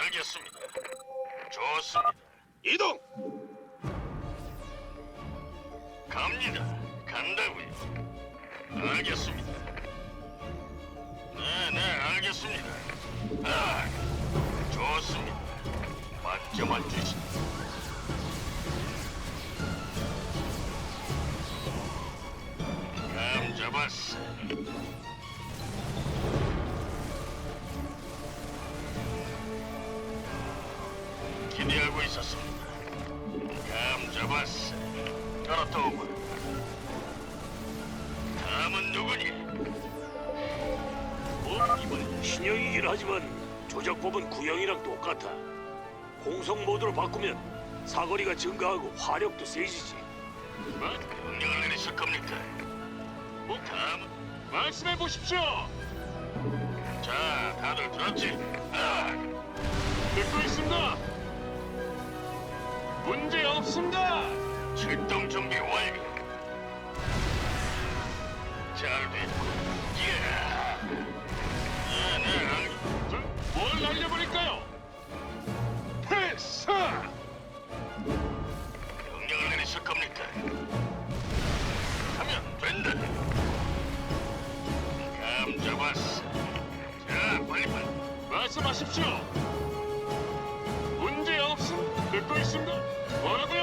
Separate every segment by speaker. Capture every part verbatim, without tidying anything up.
Speaker 1: 알겠습니다. 좋습니다.
Speaker 2: 이동.
Speaker 1: 갑니다. 간다고요. 알겠습니다. 네, 네, 알겠습니다. 아, 좋습니다. 맡겨만 주시. 감 잡았어. 기대하고 있었습니다. 감 잡았어. 떨어뜨고. 다음은 누구니?
Speaker 3: 뭐 이번 신형이긴 하지만 조작법은 구형이랑 똑같아. 공성 모드로 바꾸면 사거리가 증가하고 화력도 세지지.
Speaker 1: 뭐? 명령을 내리실 겁니까? 뭐 다음
Speaker 4: 말씀해 보십시오.
Speaker 1: 자, 다들 들었지? 아,
Speaker 4: 듣고 있습니다. 문제 없습니다.
Speaker 1: 출동 준비 완료. 잘 됐고. 예. 네, 네, 알-
Speaker 4: 자, 뭘 날려버릴까요? 패스!
Speaker 1: 명령을 내리실 겁니까? 하면 된다. 감 잡았어. 자, 빨리 빨리.
Speaker 4: 말씀하십시오. 문제 없음. 듣고 있습니다. 뭐라고요?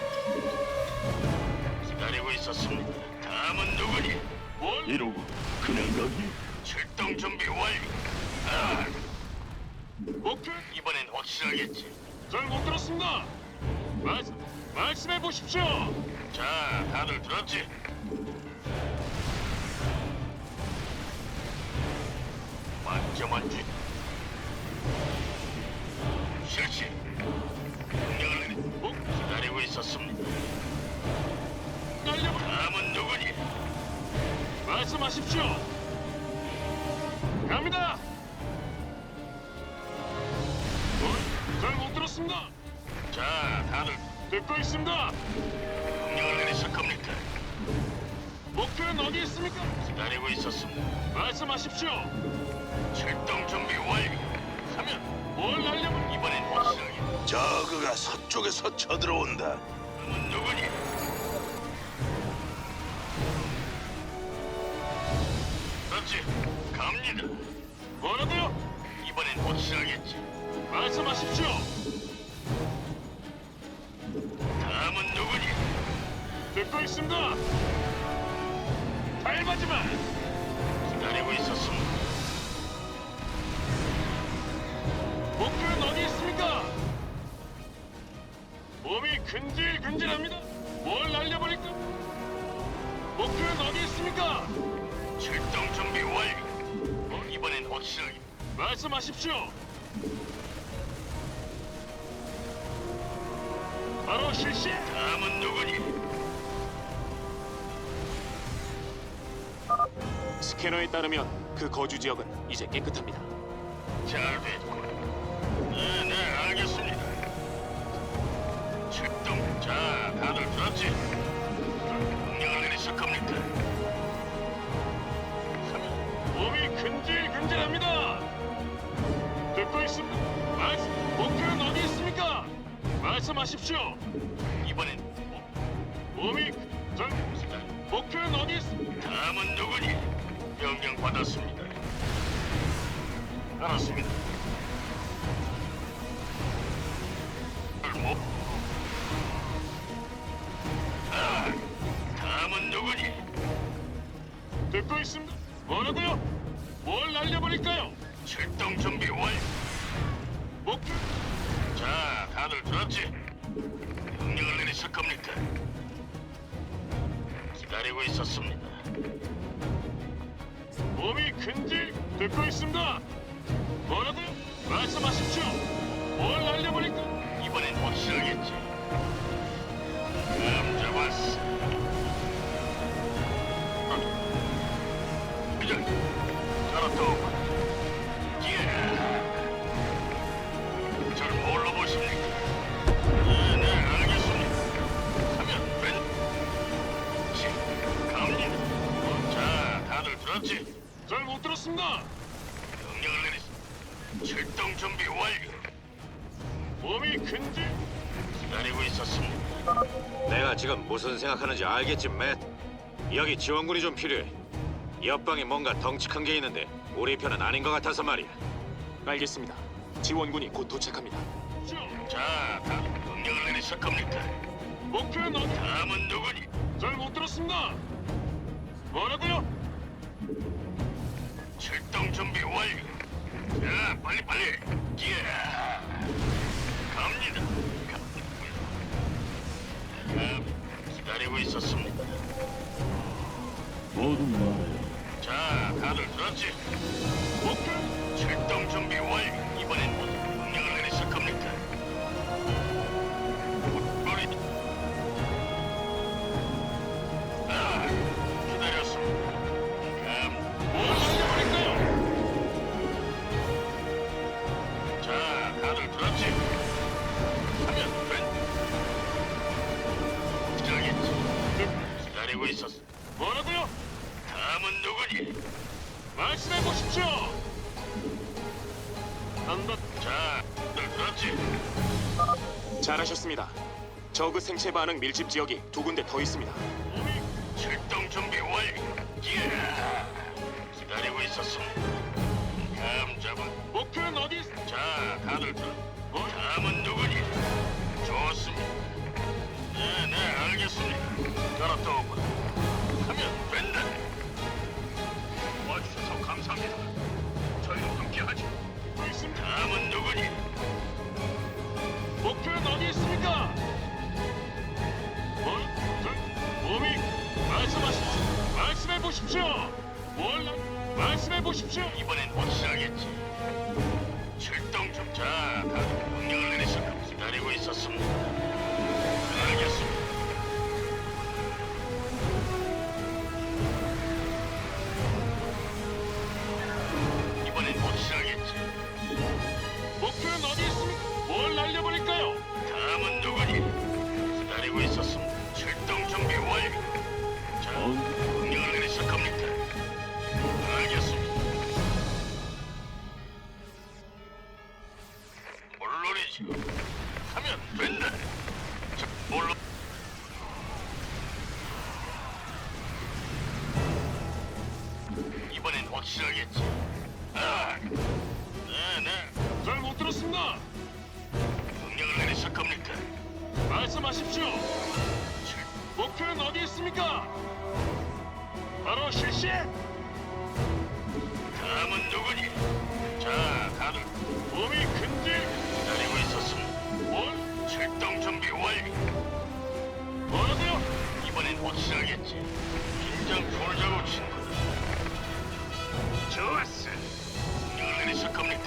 Speaker 1: 기다리고 있었습니다. 다음은 누구니?
Speaker 4: 뭘?
Speaker 2: 이러고 그냥 가기?
Speaker 1: 출동 준비 완료. 아,
Speaker 4: 목표?
Speaker 1: 이번엔 확실하겠지.
Speaker 4: 잘 못 들었습니다. 말 말씀해 보십시오.
Speaker 1: 자, 다들 들었지? 맡겨만 주. 실시. 명령을 내리.
Speaker 4: 목
Speaker 1: 기다리고 있었습니다.
Speaker 4: 날려버.
Speaker 1: 다음은 누구니?
Speaker 4: 말씀하십시오. 갑니다. 잘 못 들었습니다.
Speaker 1: 자, 다들
Speaker 4: 듣고 있습니다.
Speaker 1: 명령을 내리실 겁니까?
Speaker 4: 목표는 어디 있습니까?
Speaker 1: 기다리고 있었습니다.
Speaker 4: 말씀하십시오.
Speaker 1: 출동 준비 완료. 하면
Speaker 4: 뭘 날려버?
Speaker 1: 이번엔 확실하게.
Speaker 2: 저그가 서쪽에서 쳐들어온다.
Speaker 1: 다음은 누구니? 그렇지. 갑니다.
Speaker 4: 뭐라고요?
Speaker 1: 이번엔 확실하겠지.
Speaker 4: 말씀하십시오.
Speaker 1: 다음은 누구니?
Speaker 4: 듣고 있습니다. 닮아지마.
Speaker 1: 기다리고 있었습니다.
Speaker 4: 목표는 어디 있습니까? 몸이 근질근질합니다. 뭘 날려버릴까? 목표는 어디 있습니까?
Speaker 1: 출동 준비 완료. 어, 이번엔 확실하게.
Speaker 4: 말씀하십시오. 바로 실시.
Speaker 1: 다음은 누구니?
Speaker 5: 스캐너에 따르면 그 거주 지역은 이제 깨끗합니다.
Speaker 1: 잘 됐고. 네, 네, 알겠습니다. 출동. 자, 다들 들었지? 명령을 내리실 겁니까? 하면
Speaker 4: 몸이 근질근질합니다. 듣고 있습니다. 말씀. 목표는 어디 있습니까? 말씀하십시오.
Speaker 1: 이번엔 어,
Speaker 4: 몸이 전
Speaker 1: 기다려.
Speaker 4: 목표는 어디 있습니까?
Speaker 1: 다음은 누구니? 명령 받았습니다. 알았습니다. 뭐? 아, 다음은 누구니?
Speaker 4: 듣고 있습니다. 뭐라고요? 뭘 날려버릴까요?
Speaker 1: 출동 준비 완료.
Speaker 4: 목표.
Speaker 1: 자, 다들 들었지? 명령을 내리실 겁니까? 기다리고 있었습니다.
Speaker 4: 몸이 근질. 듣고 있습니다. 뭐라고요? 말씀하십시오. 뭘 날려버릴까?
Speaker 1: 이번엔 확실하겠지. 감 잡았어. 그냥 잘했다. 예. 절 뭘로 보십니까? 네, 네, 알겠습니다. 하면 웬? 지, 갑니다. 자, 다들 들었지?
Speaker 4: 잘 못 들었습니다.
Speaker 1: 명령을 내리시. 출동 준비 완료.
Speaker 4: 몸이 근질.
Speaker 1: 기다리고 있었습니다.
Speaker 6: 내가 지금 무슨 생각하는지 알겠지, 맷? 여기 지원군이 좀 필요해. 옆방에 뭔가 덩치 큰 게 있는데 우리 편은 아닌 것 같아서 말이야.
Speaker 5: 알겠습니다. 지원군이 곧 도착합니다.
Speaker 1: 자, 다 명령을 내리실 겁니까?
Speaker 4: 목표는 어디?
Speaker 1: 다음은 누구니?
Speaker 4: 잘 못 들었습니다. 뭐라고요?
Speaker 1: 출동 준비 완료. 자, 빨리 빨리. 예. 갑니다. 가, 기다리고 있었습니다.
Speaker 2: 모두 말해.
Speaker 1: 자, 다들 들었지?
Speaker 4: 목표
Speaker 1: 출동 준비 완료. 이번엔 뭐 명령을 내리실 겁니까? 우리 아, 기다렸습니다. 감.
Speaker 4: 뭘 날려버릴까요?
Speaker 1: 자, 다들 들었지? 하면 된. 기다리겠지. 기다리고 있었어.
Speaker 4: 뭐라고요?
Speaker 1: 다음은 누구니?
Speaker 4: 말씀해 보십시오. 한번
Speaker 1: 자, 다들 들었지?
Speaker 5: 잘하셨습니다. 저그 생체 반응 밀집 지역이 두 군데 더 있습니다.
Speaker 4: 몸이
Speaker 1: 출동 준비 완료. 예. 기다리고 있었습니다. 감 잡아.
Speaker 4: 목표는 어디? 있-
Speaker 1: 자, 다들 들어.
Speaker 4: 뭐?
Speaker 1: 다음은 누구니? 좋습니다. 네, 네, 알겠습니다. 따라또 오거라. 하면 된다. 와주셔서 감사합니다. 저희와 함께하죠.
Speaker 4: 있습니다.
Speaker 1: 다음은 누구니?
Speaker 4: 목표는 어디 있습니까? 뭘? 저, 몸이 말씀하십시오. 말씀해 보십시오. 뭘? 나- 말씀해 보십시오.
Speaker 1: 이번엔 확실하겠지. 출동 좀. 자, 다들 명령을 내리실 겁니다. 기다리고 있었습니다. 알겠습니다. 이번엔 확실하겠지.
Speaker 4: 목표는 어디 있습니까? 뭘 날려버릴까요?
Speaker 1: 다음은 누구니? 기다리고 있었습니다. 출동 준비 완료. 자, 명령을 내리실 겁니까? 알겠습니다. 물론이지. 하면 된다. 자, 물론. 이번엔 확실하겠지. 아, 네, 네.
Speaker 4: 잘 못 들었습니다.
Speaker 1: 명령을 내리실 겁니까?
Speaker 4: 말씀하십시오.
Speaker 1: 출-
Speaker 4: 목표는 어디 있습니까? 바로 실시.
Speaker 1: 다음은 누구니? 자, 다들
Speaker 4: 몸이 근질.
Speaker 1: 기다리고 있었습니다.
Speaker 4: 뭘?
Speaker 1: 출동 준비 완료.
Speaker 4: 뭐라고요?
Speaker 1: 이번엔 확실하겠지. 긴장 풀자고 친구들. 좋았어. 명령을 내리실 겁니까?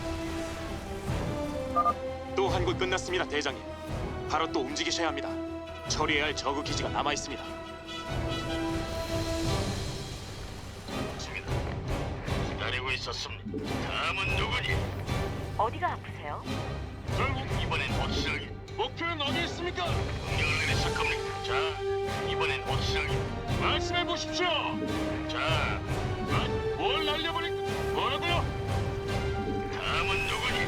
Speaker 5: 또 한 곳 끝났습니다, 대장님. 바로 또 움직이셔야 합니다. 처리해야 할 저그 기지가 남아 있습니다.
Speaker 1: 좋습니다. 기다리고 있었습니다. 다음은 누구니?
Speaker 7: 어디가 아프세요?
Speaker 4: 잘 못.
Speaker 1: 이번엔 확실하게.
Speaker 4: 목표는 어디 있습니까?
Speaker 1: 명령을 내리실 겁니까? 자, 이번엔 확실하게.
Speaker 4: 말씀해 보십시오.
Speaker 1: 자,
Speaker 4: 아, 뭘 날려버릴? 뭐라고요?
Speaker 1: 다음은 누구니?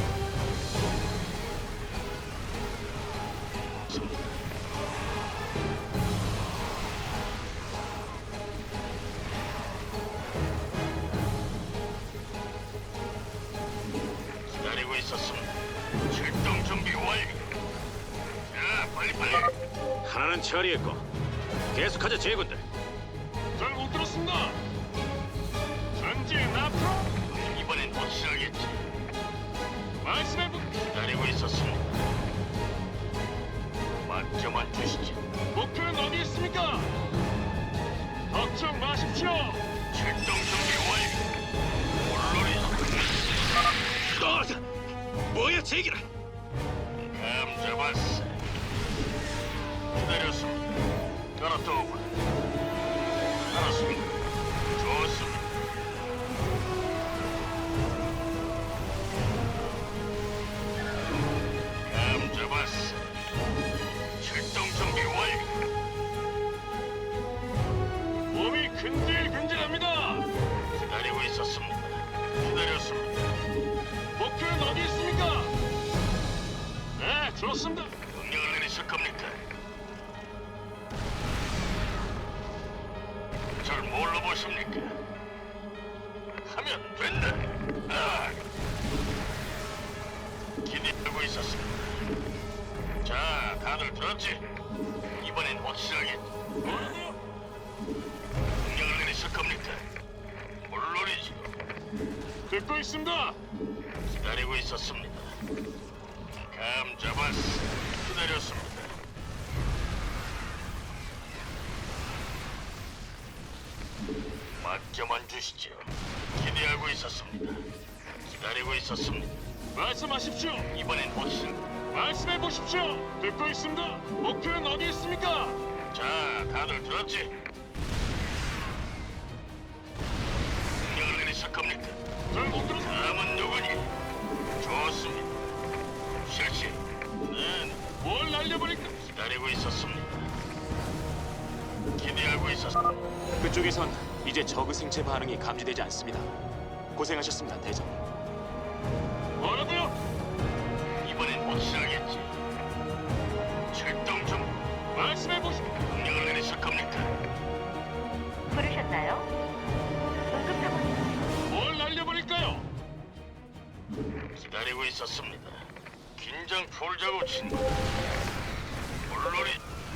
Speaker 1: 기다리고 있었습니다. 출동 준비 완료. 자, 빨리 빨리.
Speaker 6: 하나는 처리했고 계속하자, 제군들.
Speaker 4: 잘 못 들었습니다. 전진 앞으로.
Speaker 1: 이번엔 확실하겠지.
Speaker 4: 말씀해 보.
Speaker 1: 기다리고 있었습니다. 맞점만 주시지.
Speaker 4: 목표는 어디 있습니까? 걱정 마십시오.
Speaker 1: 출동 준비 완료. 물론이지.
Speaker 6: 어, 뭐야, 제기라?
Speaker 1: 감 잡았어. 기다렸습니다. 따라또 오거라. 알았습니다. 좋습니다. 감 잡았어. 출동 준비 완료.
Speaker 4: 몸이 근질근질합니다.
Speaker 1: 기다리고 있었습니다. 기다렸습니다.
Speaker 4: 목표는 어디 있습니까? 좋습니다.
Speaker 1: 명령을 내리실 겁니까? 절 뭘로 보십니까? 하면 된다. 아! 기대하고 있었습니다. 자, 다들 들었지? 이번엔 확실하게
Speaker 4: 뭐라고요?
Speaker 1: 명령을 내리실 겁니까? 물론이지.
Speaker 4: 듣고 있습니다.
Speaker 1: 기다리고 있었습니다. 감 잡았어. 기다렸습니다. 맡겨만 주시죠. 기대하고 있었습니다. 기다리고 있었습니다.
Speaker 4: 말씀하십시오.
Speaker 1: 이번엔 확실.
Speaker 4: 말씀해 보십시오. 듣고 있습니다. 목표는 어디 있습니까?
Speaker 1: 자, 다들 들었지? 명령을 내리실 겁니까?
Speaker 4: 잘못 들었습니다.
Speaker 1: 다음은 누구니? 좋습니다. 실시. 네,
Speaker 4: 뭘 날려버릴까?
Speaker 1: 기다리고 있었습니다. 기대하고 있었습니다.
Speaker 5: 그쪽에선 이제 저그 생체 반응이 감지되지 않습니다. 고생하셨습니다, 대장님.
Speaker 4: 뭐라고요?
Speaker 1: 이번엔 확실하겠지. 출동 중.
Speaker 4: 말씀해 보십시오.
Speaker 1: 명령을 내리실 겁니까?
Speaker 7: 부르셨나요? 응급 상황.
Speaker 4: 뭘 날려버릴까요?
Speaker 1: 기다리고 있었습니다. 긴장 풀자고 친구. 물론이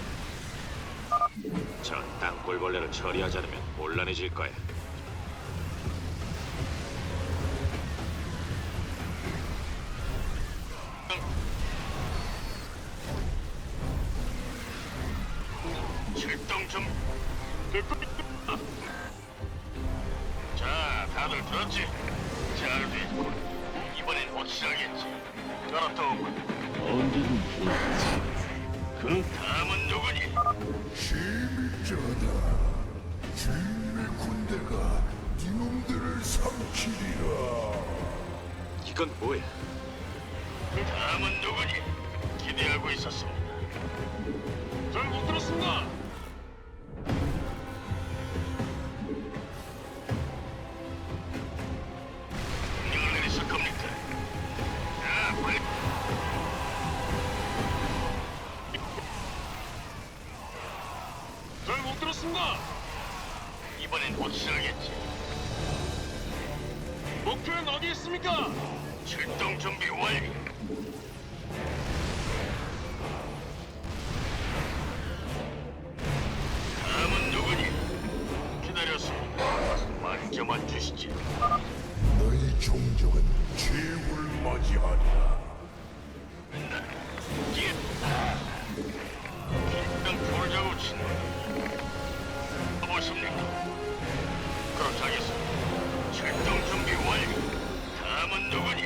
Speaker 6: 저 땅굴벌레를 처리하지 않으면 곤란해질 거야.
Speaker 1: 출동 중.
Speaker 4: 듣고 있습니다.
Speaker 1: 자, 다들 들었지? 잘 됐군. 이번엔 확실하겠지. 그렇다고. 그 다음은 누구니?
Speaker 8: 재밌잖아. 주인의 군대가 니놈들을 삼키리라.
Speaker 6: 이건 뭐야?
Speaker 1: 다음은 누구니? 기대하고 있었습니다.
Speaker 4: 잘못 들었습니다.
Speaker 1: 명령을 내리실 겁니까? 자, 빨리.
Speaker 4: 잘못 들었습니다.
Speaker 1: 이번엔 확실하겠지.
Speaker 4: 목표는 어디 있습니까?
Speaker 1: 출동 준비 완료. 다음은 누구니? 기다렸습니다. 맡겨만 주시지.
Speaker 8: 너희 종족은 최후를 맞이하리라.
Speaker 1: 예. 긴장 풀자고 친구. 보십니까? 그렇게 하겠습니다. 출동 준비 완료. 다음은 누구니?